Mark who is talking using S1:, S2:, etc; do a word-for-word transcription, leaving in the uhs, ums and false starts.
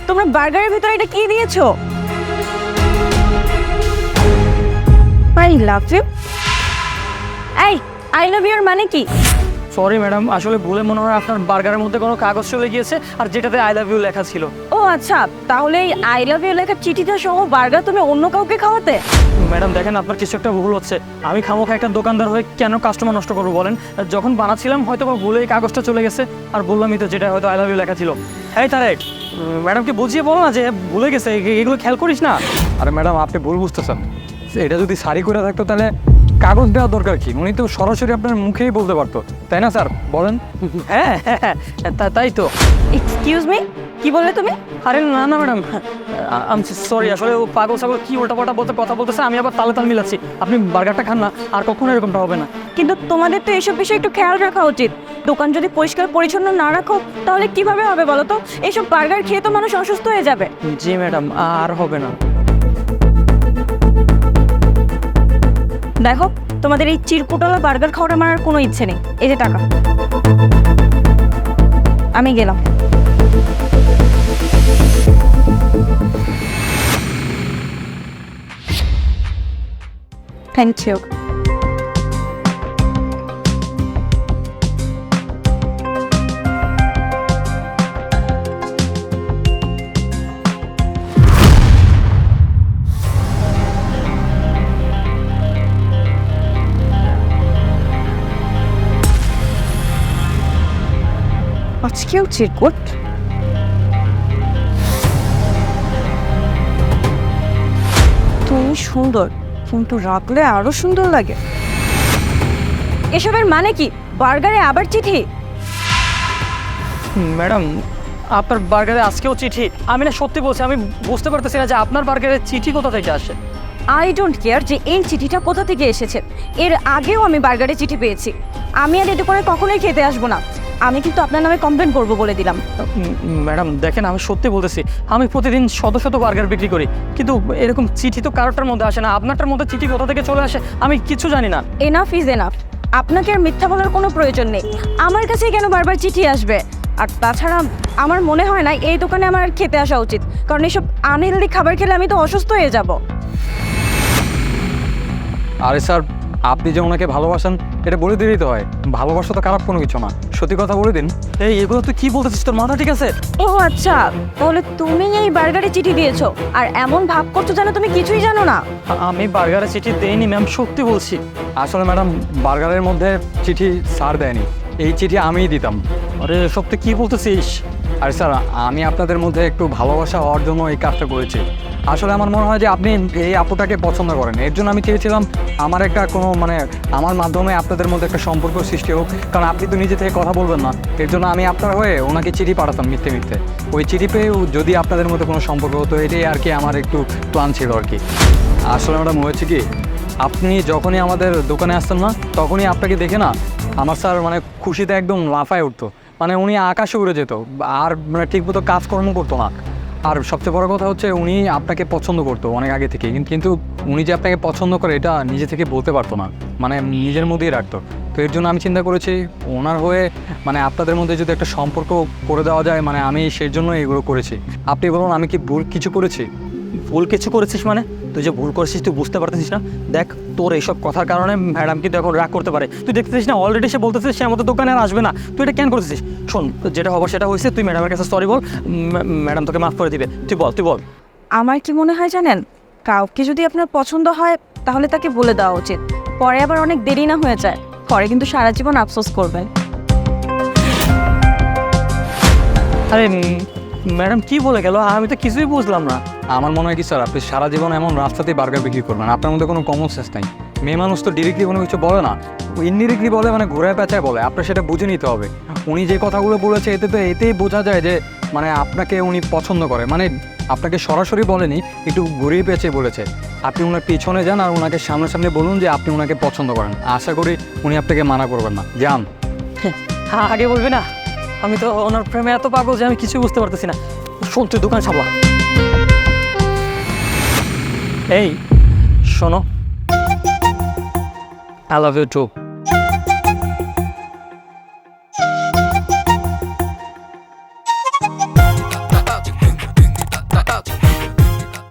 S1: তোমরা বার্গারের ভিতরে এটা কি দিয়েছো? I love you. এই আই লাভ ইউর মানে কি?
S2: সরি ম্যাডাম, আসলে ভুলে মনে হয় আপনার বার্গারের মধ্যে কোনো কাগজ চলে গিয়েছে, আর যেটাতে আই লাভ ইউ লেখা ছিল।
S1: ও আচ্ছা, তাহলে এই আই লাভ ইউ লেখা চিঠিটা সহ বার্গার তুমি অন্য কাউকে খাওয়াতে?
S2: ম্যাডাম দেখেন, আপনার কিছু একটা ভুল হচ্ছে। আমি খামোখা একটা দোকানদার হয়ে কেন কাস্টমার নষ্ট করবো বলেন? যখন বানাচ্ছিলাম হয়তো বা ভুলে এই কাগজটা চলে গেছে, আর বললামই তো যেটা হয়তো আই লাভ ইউ লেখা ছিল। এই তারেক, ম্যাডামকে বুঝিয়ে বলো না যে ভুলে গেছে, এ- এগুলো খেয়াল করিস না।
S3: আরে ম্যাডাম, আপনি ভুল বুঝতেছেন। এটা যদি সারি করে থাকতো তাহলে কাগজ দেওয়ার দরকার কি? উনি তো সরাসরি আপনার মুখেই বলতে পারতো, তাই না স্যার? বলেন।
S2: হ্যাঁ হ্যাঁ হ্যাঁ, তা- তাই তো।
S1: এক্সকিউজ মি, কি বললে তুমি?
S2: আরে না না ম্যাডাম, আমি সরি, আসলে ও পাগল ছাগল কি উল্টাপাল্টা বলতে কথা বলতেছে, আমি আবার তালে তাল মিলাচ্ছি। আপনি বার্গারটা খান না, আর কখনো এরকমটা হবে না।
S1: কিন্তু তোমাদের তো এসব বিষয়ে একটু খেয়াল রাখা উচিত। দোকান যদি পরিষ্কার পরিচ্ছন্ন না রাখো তাহলে কিভাবে হবে বলো তো? এইসব বার্গার খেয়ে তো মানুষ অসুস্থ হয়ে যাবে।
S2: জি ম্যাডাম, আর হবে না।
S1: দেখো, তোমাদের এই চিরকুটলা বার্গার খাওয়ার আমার আর কোনো ইচ্ছে নেই। এই যে টাকা, আমি গেলাম। Thank you. আজকেও চিরকুট? তুমি সুন্দর, কিন্তু রাখলে আরো সুন্দর লাগে। এসবের মানে কি? বার্গারে আবার চিঠি?
S2: ম্যাডাম, আপনার বার্গারে আজকেও চিঠি? আমি না সত্যি বলছি, আমি বুঝতে পারতেছি না যে আপনার বার্গারে চিঠি কোথা থেকে আসে।
S1: আই ডোন্ট কেয়ার যে এই চিঠিটা কোথা থেকে এসেছে। এর আগেও আমি বার্গারে চিঠি পেয়েছি। আমি আর এটা করে কখনোই খেতে আসবো না। আমি কিন্তু আপনার নামে কমপ্লেন করবো বলে দিলাম।
S2: উম, ম্যাডাম দেখেন, আমি সত্যি বলতেছি, আমি প্রতিদিন শত শত বার্গার বিক্রি করি, কিন্তু এরকম চিঠি তো কারোটার মধ্যে আসে না। আপনারটার মধ্যে চিঠি কোথা থেকে চলে আসে আমি কিছু জানি না।
S1: Enough is enough. আপনাকে আর মিথ্যা বলার কোনো প্রয়োজন নেই। আমার কাছে কেন বারবার চিঠি আসবে? আর তাছাড়া আমার মনে হয় না এই দোকানে আমার আর খেতে আসা উচিত, কারণ এসব আনহেলদি খাবার খেলে আমি তো অসুস্থ হয়ে যাব।
S3: আরে স্যার, আপনি যে ওনাকে ভালোবাসেন এটা বলে দিলেই তো হয়। ভালোবাসা তো খারাপ কোনো কিছু না, সত্যি কথা বলে দিন।
S2: এই এগুলো তুই কি বলতেছিস? তোর মাথা ঠিক আছে?
S1: ও আচ্ছা, তাহলে তুমি এই বার্গারে চিঠি দিয়েছো আর এমন ভাব করছো যেন তুমি কিছুই জানো না।
S2: আ- আমি বার্গারে চিঠি দেইনি ম্যাম, সত্যি বলছি।
S3: আসলে ম্যাডাম, বার্গারের মধ্যে চিঠি স্যার দেয়নি, এই চিঠি আমিই দিতাম।
S2: আরে সত্যি কি বলতেছিস?
S3: আর স্যার, আমি আপনাদের মধ্যে একটু ভালোবাসা হওয়ার জন্য এই কাজটা করেছি। আসলে আমার মনে হয় যে আপনি এই আপুটাকে পছন্দ করেন, এর জন্য আমি চেয়েছিলাম আমার একটা কোনো মানে আমার মাধ্যমে আপনাদের মধ্যে একটা সম্পর্ক সৃষ্টি হোক। কারণ আপনি তো নিজে থেকে কথা বলবেন না, এর জন্য আমি আপনার হয়ে ওনাকে চিঠি পাঠাতাম মিথ্যে মিথ্যে। ওই চিঠি পেয়ে যদি আপনাদের মধ্যে কোনো সম্পর্ক হতো, এটাই আর কি আমার একটু প্ল্যান ছিল আর কি। আসলে ম্যাডাম হয়েছে কি, আপনি যখনই আমাদের দোকানে আসতেন না, তখনই আপনাকে দেখে না আমার স্যার মানে খুশিতে একদম লাফায় উঠতো। মানে উনি আকাশে উড়ে যেত, আর মানে ঠিকমতো কাজকর্ম করতো না। আর সবচেয়ে বড় কথা হচ্ছে উনি আপনাকে পছন্দ করতো অনেক আগে থেকে, কিন্তু উনি যে আপনাকে পছন্দ করে এটা নিজে থেকে বলতে পারতো না, মানে নিজের মধ্যেই রাখতো। তো এর জন্য আমি চিন্তা করেছি ওনার হয়ে মানে আপনাদের মধ্যে যদি একটা সম্পর্ক করে দেওয়া যায়, মানে আমি সেই জন্য এগুলো করেছি। আপনি বলুন আমি কি ভুল কিছু করেছি?
S2: ভুল কিছু করেছিস মানে? তুই যে ভুল করেছিস তুই বুঝতে পারতেছিস না? দেখ, তোর এইসব কথার কারণে ম্যাডাম কিন্তু এখন রাগ করতে পারে। তুই দেখতেছিস না অলরেডি সে বলতেছিস সে আমাদের দোকানে আর আসবে না। তুই এটা কেন করেছিস? শোন, যেটা হবার সেটা হয়েছে, তুই ম্যাডামের কাছে সরি বল, ম্যাডাম তোকে মাফ করে দিবে। তুই বল, তুই বল।
S1: আমার কি মনে হয় জানেন, কাউকে যদি আপনার পছন্দ হয় তাহলে তাকে বলে দেওয়া উচিত। পরে আবার অনেক দেরি না হয়ে যায়, পরে কিন্তু সারা জীবন আফসোস করবেন।
S2: আরে ম্যাডাম কি বলে গেল? আমি তো কিছুই বুঝলাম না।
S3: আমার মনে হয় কি স্যার, আপনি সারা জীবন এমন রাস্তাতেই বার্গার বিক্রি করবেন, আপনার মধ্যে কোনো কমন সেন্স নাই। মেয়ে মানুষ তো ডিরেক্টলি কোনো কিছু বলে না, ইনডিরেক্টলি বলে, মানে ঘোরায় পেঁচায় বলে। আপনার সেটা বুঝে নিতে হবে। উনি যে কথাগুলো বলেছে এতে তো এতেই বোঝা যায় যে মানে আপনাকে উনি পছন্দ করে। মানে আপনাকে সরাসরি বলেনি, একটু ঘুরিয়ে পেঁচে বলেছে। আপনি ওনার পিছনে যান আর ওনাকে সামনাসামনি বলুন যে আপনি ওনাকে পছন্দ করেন। আশা করি উনি আপনাকে মানা করবেন না। যান।
S2: হ্যাঁ, আগে বলবি না? আমি তো ওনার প্রেমে এত পাগল যে আমি কিছুই বুঝতে পারতেছি না। শোন, তুই দোকান সামলা। এই শোনো, আই লাভ ইউ টু।